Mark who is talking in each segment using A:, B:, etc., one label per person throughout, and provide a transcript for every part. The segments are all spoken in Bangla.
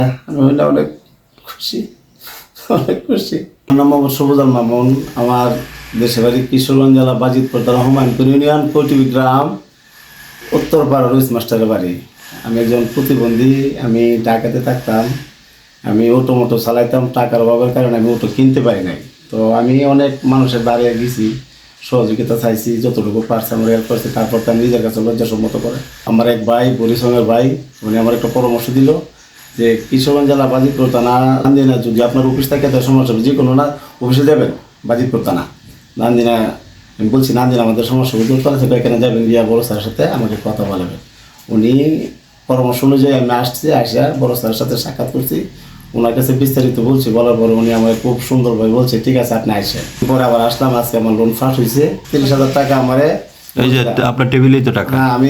A: আমি অনেক খুশি, অনেক খুশি। আমার নাম মোহাম্মদ সবুজাল মামুন। আমার দেশের বাড়ি কিশোরগঞ্জ জেলা বাজিতপুর থানা হুমায়ুনপুর ইউনিয়ন কৌটিবি গ্রাম, উত্তরপাড়া রুইস মাস্টারের বাড়ি। আমি একজন প্রতিবন্ধী। আমি ঢাকাতে থাকতাম। আমি অটো মোটো চালাইতাম। টাকার অভাবের কারণে আমি অটো কিনতে পারি নাই। তো আমি অনেক মানুষের দাঁড়িয়ে গেছি, সহযোগিতা চাইছি, যতটুকু পারছি আমার হেল্প করছি। তারপর তো আমি নিজের কাছে লজ্জাসম্মত করে আমার এক ভাই, বরিশালের ভাই, উনি আমার একটা পরামর্শ দিল যে কিশোরগঞ্জ জেলা বাজিতপুর থানা নান্দিনা, যদি আপনার অফিস থাকে তো সমস্যা হবে, যে কোনো না অফিসে যাবেন বাজিতপুর থানা নান্দিনা। আমি বলছি নান্দিনা আমাদের সমস্যাগুলো দূর করা থেকে এখানে যাবেন, গিয়া বড় স্যারের সাথে আমাকে কথা বলাবেন। উনি পরামর্শ অনুযায়ী আমি আসছি, আসিয়া বড় স্যারের সাথে সাক্ষাৎ করছি। ওনার কাছে বিস্তারিত বলছি, বলার পরে উনি আমাকে খুব সুন্দরভাবে বলছে ঠিক আছে আপনি আসেন। পরে আবার আসলাম, আজকে আমার লোন ফাঁস হয়েছে। 30,000 টাকা আমারে,
B: এই যে আপনার টেবিলেই তো টাকা।
A: না আমি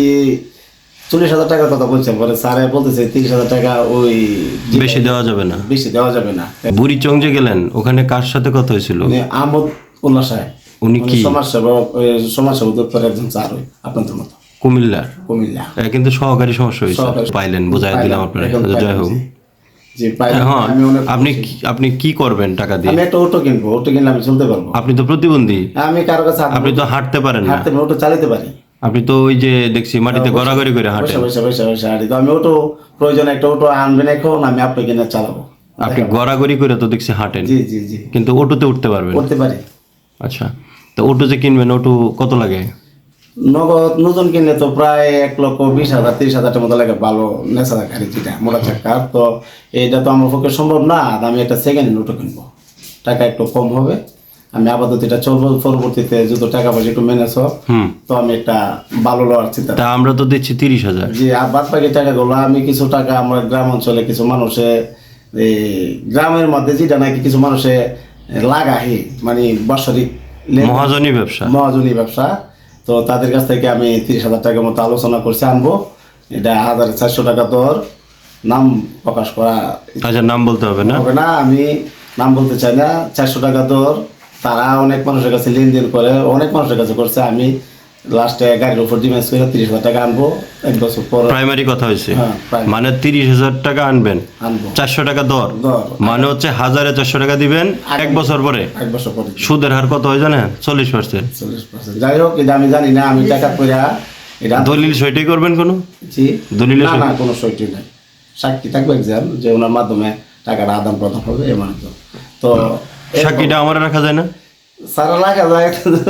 A: 40,000 টাকার কথা বলছেন। পরে স্যারে বলতেছে 30,000 টাকা ওই
B: বেশি দেওয়া যাবে না।
A: বেশি দেওয়া যাবে না।
B: বুড়ি চং যে গেলেন, ওখানে কার সাথে কথা হয়েছিল?
A: উনি আহমদ উল্লাহ সাহেব,
B: উনি কি
A: সমাজসেবক দপ্তরের একজন স্যার, ওই আপনাদের মতো
B: কুমিল্লার?
A: কুমিল্লা।
B: কিন্তু সহকারী সমস্যা হয়েছে,
A: সহকারী।
B: পাইলেন, বোঝাই দিলাম আপনার।
A: এখন
B: যাই হোক,
A: জি পাইলাম।
B: হ্যাঁ,
A: আমি অনেক
B: আপনি কি করবেন টাকা দিয়ে?
A: আমি একটা অটো কিনবো, অটো কিনলে আমি চলতে পারবো।
B: আপনি তো প্রতিবন্ধী,
A: আমি কারো কাছে
B: আপনি তো হাঁটতে পারেন না।
A: হাঁটতে অটো চালাতে পারি।
B: আপনি তো ওই যে দেখছি মাটিতে গড়াগড়ি করে হাঁটেন।
A: বসে হাঁটি। তো আমি অটো প্রয়োজন একটা অটো আনবেন এখন, আমি আপনাকে কিনে চালাবো।
B: আপনি গড়াগড়ি করে তো দেখছি হাঁটেন,
A: জি জি জি
B: কিন্তু অটোতে উঠতে পারবেন?
A: করতে পারি।
B: আচ্ছা, তো অটো যে কিনবেন, অটো কত লাগে?
A: নগদ নতুন কিনলে তো প্রায় 1,20,000 30,000 মতো লাগে, ভালো নেশা গাড়ি যেটা মোটা চাকার। তো এইটা তো আমার পক্ষে সম্ভব না। আর আমি একটা সেকেন্ড হ্যান্ড অটো কিনবো, টাকা একটু কম হবে। আমি আপাতত এটা চলবো, পরবর্তীতে যত টাকা পয়সা একটু ম্যানেজ হোক, তো আমি একটা ভালো লওয়ার চিন্তা।
B: তা আমরা তো দিচ্ছি 30,000।
A: জি, আর বাদ বাকি টাকাগুলো আমি কিছু টাকা আমার গ্রাম অঞ্চলে কিছু মানুষে, এই গ্রামের মধ্যে যেটা নাকি কিছু মানুষে লাগাই, মানে বাৎসরিক
B: মহাজনী ব্যবসা।
A: মহাজনী ব্যবসা। তো তাদের কাছ থেকে আমি 30,000 টাকার মতো আলোচনা করছি আনবো। এটা 1,400 টাকা তোর নাম প্রকাশ করা
B: আচ্ছা, নাম বলতে হবে না?
A: হবে না, আমি নাম বলতে চাই না। 400 টাকা তোর, তারা অনেক মানুষের কাছে লেনদেন করে, অনেক মানুষের কাছে করছে। আমি লাস্টে গাড়ির উপর ডিমেন্স করে 30,000 টাকা আনবো 1 বছর পর।
B: প্রাইমারি কথা হয়েছে,
A: হ্যাঁ, primary।
B: মানে 30,000 টাকা আনবেন,
A: আনবো
B: 400 টাকা দর,
A: দর।
B: মানে হচ্ছে 1,400 টাকা দিবেন 1 বছর পরে।
A: 1 বছর পরে
B: সুদের হার কত হয় জানেন? 40%।
A: 40%। যাই হোক, এটা আমি জানি না, আমি টাকা করে এটা
B: দলিল সইটাই করবেন কোনো?
A: জি,
B: দলিলে
A: না না কোনো সইটি নাই। সাক্ষী থাকবে একজন, যে ওনার মাধ্যমে টাকাটা আদান প্রদান হবে এমন তো। তো
B: সাক্ষীটা আমার রাখা যায় না?
A: সারা রাখা যায়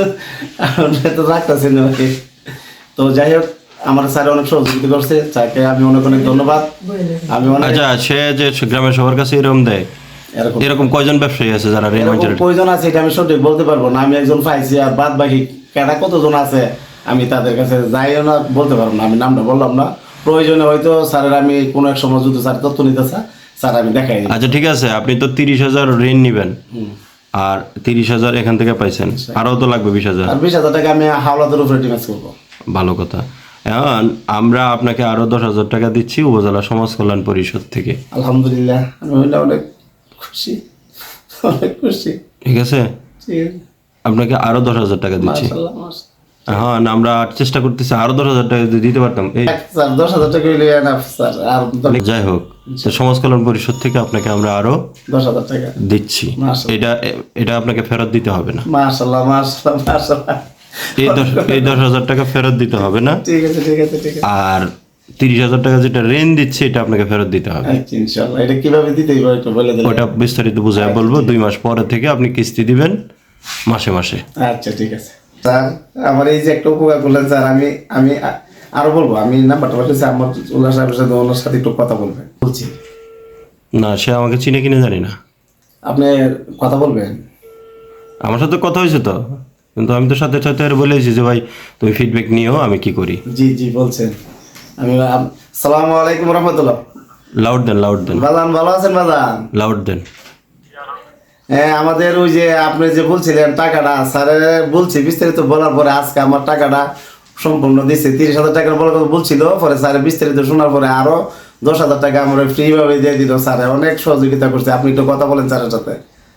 A: তো রাখতেছি না। তো যাই হোক, আমার স্যার অনেক সহযোগিতা করছে, স্যারকে আমি অনেক অনেক ধন্যবাদ। আমি অনেক
B: আচ্ছা, সে যে গ্রামের সবার কাছে এরকম দেয়,
A: এরকম
B: এরকম কয়জন ব্যবসায়ী আছে যারা ঋণ
A: এরকম প্রয়োজন আছে, এটা আমি সঠিক বলতে পারবো না। আমি একজন পাইছি, আর বাদ বাকি কেটা কতজন আছে আমি তাদের কাছে যাইও না, বলতে পারবো না। আমি নামটা বললাম না, প্রয়োজনে হয়তো স্যারের আমি কোনো এক সময় যদি স্যার তথ্য নিতে স্যার আমি দেখাই দিই।
B: আচ্ছা ঠিক আছে, আপনি তো 30,000 ঋণ নিবেন, আর 30,000 এখান থেকে পাইছেন, আরও তো লাগবে 20,000।
A: আর 20,000 টাকা আমি হাওলাতের উপরে ডিমেন্স করবো।
B: ভালো কথা। এখন আমরা আপনাকে আরো 10,000 টাকা দিচ্ছি উপজেলা সমাজ কল্যাণ পরিষদ থেকে।
A: আলহামদুলিল্লাহ, আমি অনেক খুশি, অনেক খুশি।
B: ঠিক আছে,
A: ঠিক আছে,
B: আপনাকে আরো 10,000 টাকা দিচ্ছি।
A: মাশাআল্লাহ, মাশাআল্লাহ।
B: হ্যাঁ, আমরা চেষ্টা করতেছি আরো 10,000 টাকা যদি দিতে পারতাম। এই
A: স্যার 10,000 টাকা হইলে এনাফ স্যার, আর
B: যাই হোক, তো সমাজ কল্যাণ পরিষদ থেকে আপনাকে আমরা আরো
A: 10,000 টাকা
B: দিচ্ছি।
A: মাশাআল্লাহ।
B: এটা আপনাকে ফেরত দিতে হবে না।
A: মাশাআল্লাহ, মাশাআল্লাহ, মাশাআল্লাহ।
B: এই 10,000 টাকা ফেরত দিতে হবে না।
A: ঠিক আছে, ঠিক আছে, ঠিক আছে।
B: আর 30,000 টাকা যেটা ঋণ দিচ্ছে এটা আপনাকে ফেরত দিতে হবে।
A: আচ্ছা, ইনশাআল্লাহ। এটা কিভাবে দিতে হবে একটু বলে দিলে।
B: ওটা বিস্তারিত বুঝায় বলবো। 2 মাস পরে থেকে আপনি কিস্তি দিবেন মাসে মাসে।
A: আচ্ছা ঠিক আছে স্যার, আমার এই যে একটা উপকার করলেন স্যার, আমি আমি আরো বলবো। আমি নাম্বারটা পাঠিয়েছি আমার উল্লাহ সাহেবের সাথে, ওনার সাথে একটু কথা বলবেন বলছি।
B: না, সে আমাকে চিনে কিনে জানি না।
A: আপনি কথা বলবেন?
B: আমার সাথে কথা হয়েছে তো, কিন্তু আমি তো সাথে সাথে আর বলেছি যে ভাই তুমি ফিডব্যাক নিও, আমি কি করি।
A: জি জি বলছেন। আমি সালামু আলাইকুম রহমতুল্লাহ।
B: লাউড দেন, লাউড দেন,
A: বাজান ভালো আছেন বাজান?
B: লাউড দেন।
A: হ্যাঁ, আমাদের ওই যে আপনি যে বলছিলেন টাকাটা, স্যারে বলছি বিস্তারিত বলার পরে আজকে আমার টাকাটা সম্পূর্ণ দিচ্ছে। 30,000 টাকার বলার কথা বলছিল, পরে স্যারে বিস্তারিত শোনার পরে আরো 10,000 টাকা আমরা ফ্রি ভাবে দিয়ে দিল। স্যারে অনেক সহযোগিতা করছে। আপনি একটু কথা বলেন স্যারের সাথে।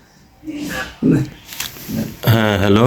B: হ্যাঁ, হ্যালো।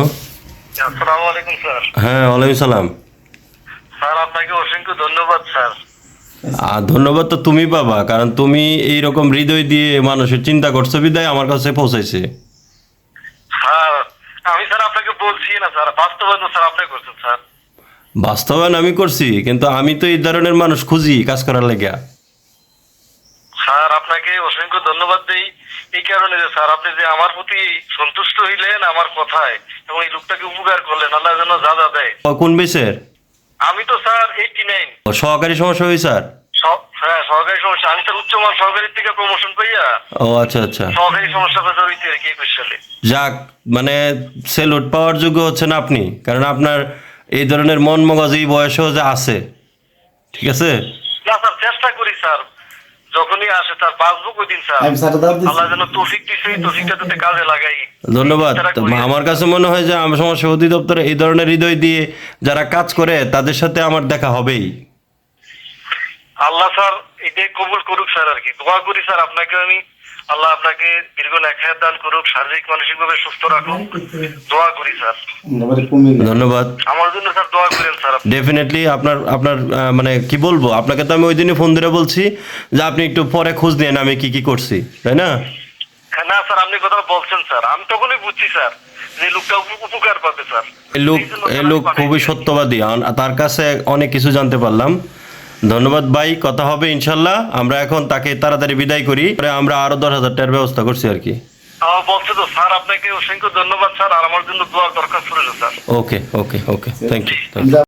C: আসসালামু আলাইকুম স্যার।
B: হ্যাঁ, ওয়ালাইকুম সালাম।
C: স্যার আপনাকে অসংখ্য ধন্যবাদ স্যার।
B: আর ধন্যবাদ তো তুমি পাবা, কারণ তুমি এইরকম হৃদয় দিয়ে মানুষের চিন্তা করছো বিদায় আমার কাছে পৌঁছাইছে।
C: স্যার আমি স্যার আপনাকে বলছি না স্যার, বাস্তবায়ন স্যার আপনি করছেন স্যার।
B: বাস্তবায়ন আমি করছি, কিন্তু আমি তো এই ধরনের মানুষ খুঁজি কাজ করার লেগা।
C: স্যার আপনাকে অসংখ্য ধন্যবাদ দেই এই কারণে যে স্যার আপনি যে আমার প্রতি সন্তুষ্ট হইলেন আমার কথায় এবং এই লোকটাকে উপকার করলেন, আল্লাহ যেন যা যা দেয়।
B: কোন বেসের?
C: আমি তো স্যার 89
B: সহকারী সমস্যা হয়েছে স্যার?
C: হ্যাঁ সহকারী সমস্যা, আমি স্যার উচ্চমান সহকারীর থেকে প্রমোশন পাইয়া
B: ও আচ্ছা আচ্ছা,
C: সহকারী সমস্যা জড়িত আর কি 21 সালে।
B: যাক, মানে সেলুট পাওয়ার যোগ্য হচ্ছেন আপনি, কারণ আপনার এই ধরনের মন মগজ এই বয়সেও যে আছে। ঠিক আছে,
C: না স্যার চেষ্টা করি স্যার, যখনই আসে স্যার বাঁচবো কই দিন স্যার,
A: আমি স্যারের দাওয়াত দিচ্ছি।
C: আল্লাহ যেন তৌফিক দিছে, এই তৌফিকটা যাতে কাজে লাগাই।
B: ধন্যবাদ।
C: চেষ্টা
B: তো
C: করি।
B: আমার কাছে মনে হয় যে আমার সমাজসেবা অধিদপ্তরে এই ধরনের হৃদয় দিয়ে যারা কাজ করে তাদের সাথে আমার দেখা হবেই।
C: আল্লাহ স্যার এটাই কবুল করুক স্যার আর কি, দোয়া করি স্যার আপনাকে আমি, আল্লাহ আপনাকে দীর্ঘ নেখায়াত দান করুক, শারীরিক মানসিক ভাবে সুস্থ রাখুক, দোয়া করি স্যার।
A: এবারে কুমিল্লা।
B: ধন্যবাদ।
C: আমার জন্য স্যার দোয়া করেন স্যার আপনি।
B: ডেফিনেটলি আপনার আপনার মানে কি বলবো, আপনাকে তো আমি ওই দিনই ফোন ধরে বলছি যে আপনি একটু পরে খোঁজ নেন আমি কি কি করছি, তাই না?
C: হ্যাঁ, না স্যার আপনি কথা বলছেন স্যার, আমি তখনই বুঝছি স্যার যে লোকটা উপকার পাবে স্যার।
B: এই লোক খুবই সত্যবাদী, তার কাছে অনেক কিছু জানতে পারলাম। ধন্যবাদ ভাই, কথা হবে ইনশাল্লাহ। আমরা এখন তাকে তাড়াতাড়ি বিদায় করি, পরে আমরা আরো 10,000 টাকার ব্যবস্থা করছি আর কি।
C: আমার বলছে তো স্যার, আপনাকে অসংখ্য ধন্যবাদ স্যার, আর আমার জন্য দোয়ার দরকার ছিল sir.
B: Okay okay okay, thank you.